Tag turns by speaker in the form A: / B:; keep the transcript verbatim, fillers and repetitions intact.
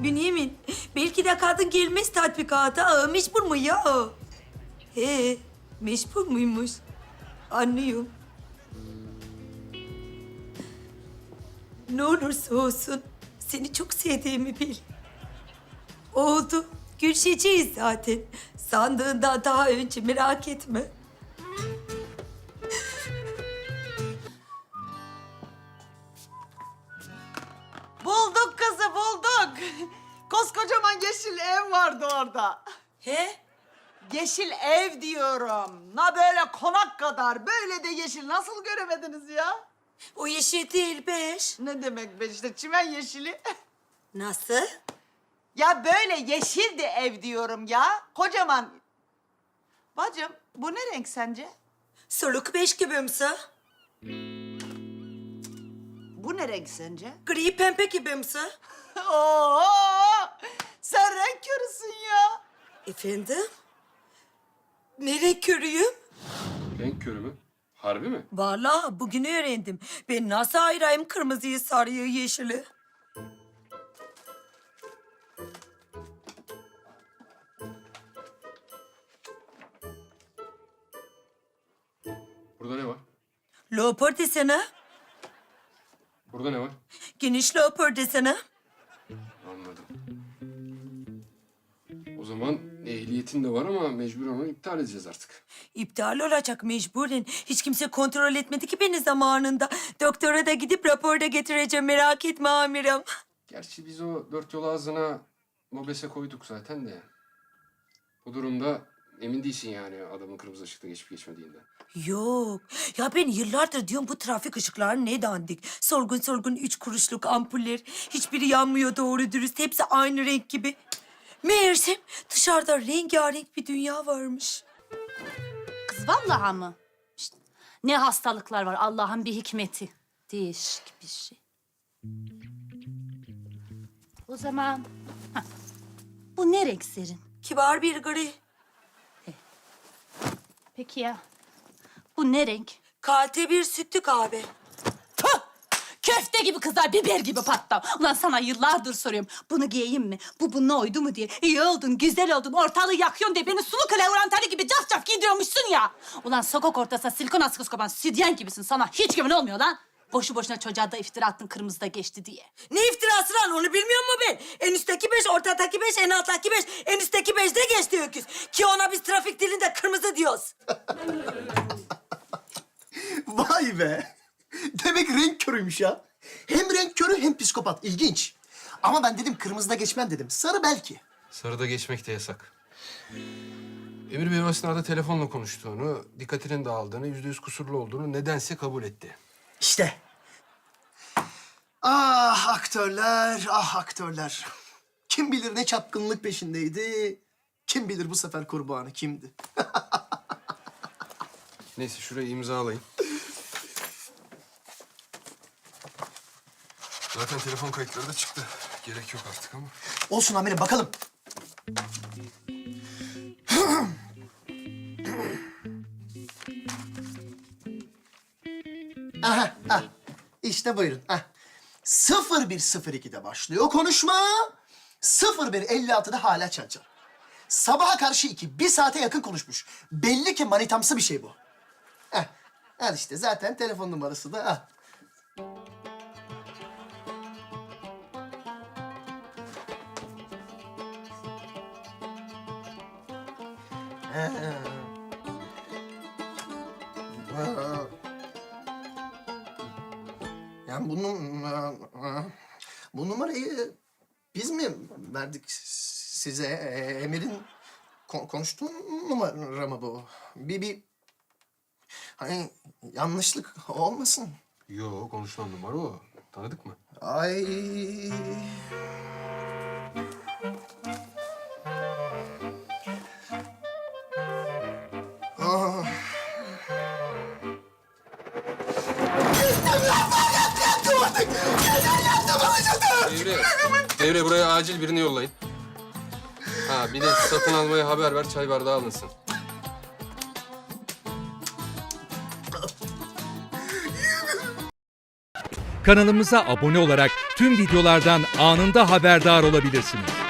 A: Bünyamin, belki de kadın gelmez tatbikata. Aa, mecbur mu ya? He, mecbur muymuş? Anlıyorum. Ne olursa olsun seni çok sevdiğimi bil. Oldu. Görüşeceğiz zaten. Sandığından daha önce, merak etme.
B: Bulduk kızı, bulduk. Koskocaman yeşil ev vardı orada.
A: He?
B: Yeşil ev diyorum. Na böyle konak kadar. Böyle de yeşil nasıl göremediniz ya?
A: O yeşil değil beş.
B: Ne demek be işte çimen yeşili.
A: Nasıl?
B: Ya böyle yeşildi ev diyorum ya. Kocaman. Bacım bu ne renk sence?
A: Soluk beş gibimsi.
B: Bu ne renk sence?
A: Gri pembe gibimsi.
B: Oo, sen renk körüsün ya.
A: Efendim? Ne renk körüyüm?
C: Renk körü mü? Harbi mi?
A: Vallahi bugün öğrendim. Ben nasıl ayırayım kırmızıyı, sarıyı, yeşili?
C: Burada ne var?
A: Leopar desene.
C: Burada ne var?
A: Geniş leopar desene.
C: Anladım. O zaman ehliyetin de var ama mecbur onu iptal edeceğiz artık.
A: İptal olacak mecburen. Hiç kimse kontrol etmedi ki beni zamanında. Doktora da gidip rapor da getireceğim, merak etme amirim.
C: Gerçi biz o dört yol ağzına mobese koyduk zaten de. Bu durumda emin değilsin yani adamın kırmızı ışıkta geçip geçmediğinden.
A: Yok. Ya ben yıllardır diyorum bu trafik ışıkları ne dandik. Sorgun sorgun üç kuruşluk ampuller. Hiçbiri yanmıyor doğru dürüst. Hepsi aynı renk gibi. Meğersem dışarıda rengarenk bir dünya varmış.
D: Kız vallahi mı? İşte ne hastalıklar var Allah'ın bir hikmeti. Değişik bir şey. O zaman hah, bu ne renk serin?
A: Kibar bir gri.
D: Peki ya bu ne renk?
A: Kalte bir sütlü kahve.
D: Tüh! Köfte gibi kızar, biber gibi patlam. Ulan sana yıllardır soruyorum. Bunu giyeyim mi? Bu bununla oydu mu diye. İyi oldun, güzel oldun, ortalığı yakıyorsun diye beni sulu klavurantali gibi caf caf giydiriyormuşsun ya. Ulan sokak ortasına silikon askısı kopan sütyen gibisin. Sana hiç güven olmuyor lan. Boşu boşuna çocuğa da iftira attın kırmızıda geçti diye.
A: Ne iftirası lan onu bilmiyor mu ben? En üstteki beş, ortadaki beş, en alttaki beş, en üstteki beş de geçti öküz. Ki ona biz trafik dilinde kırmızı diyoruz.
E: Vay be. Demek renk körüymüş ya. Hem renk körü hem psikopat. İlginç. Ama ben dedim kırmızıda geçmem dedim. Sarı belki.
C: Sarıda geçmek de yasak. Emir Bey o esnada telefonla konuştuğunu, dikkatinin dağıldığını, yüzde yüz kusurlu olduğunu nedense kabul etti.
E: İşte. Ah aktörler, ah aktörler. Kim bilir ne çapkınlık peşindeydi. Kim bilir bu sefer kurbanı kimdi.
C: Neyse şurayı imzalayın. Zaten telefon kayıtları da çıktı. Gerek yok artık ama.
E: Olsun amirim bakalım. Aha, ah. İşte buyurun. Ah. sıfır bir sıfır ikide başlıyor konuşma. sıfır bir elli altıda hala çal çal. Sabaha karşı iki, bir saate yakın konuşmuş. Belli ki manitamsı bir şey bu. Heh. Al işte zaten telefon numarası da al. Ha. Ha. Yani bunu, bu numarayı biz mi verdik size? E, Emir'in ko- konuştuğu numara mı bu? Bir, bir hani yanlışlık olmasın.
C: Yo, konuşulan numara o. Tanıdık mı?
E: Ay. Ah.
C: Devre, Devre buraya acil birini yollayın. Ha bir de satın almaya haber ver, çay bardağı alınsın.
F: Kanalımıza abone olarak tüm videolardan anında haberdar olabilirsiniz.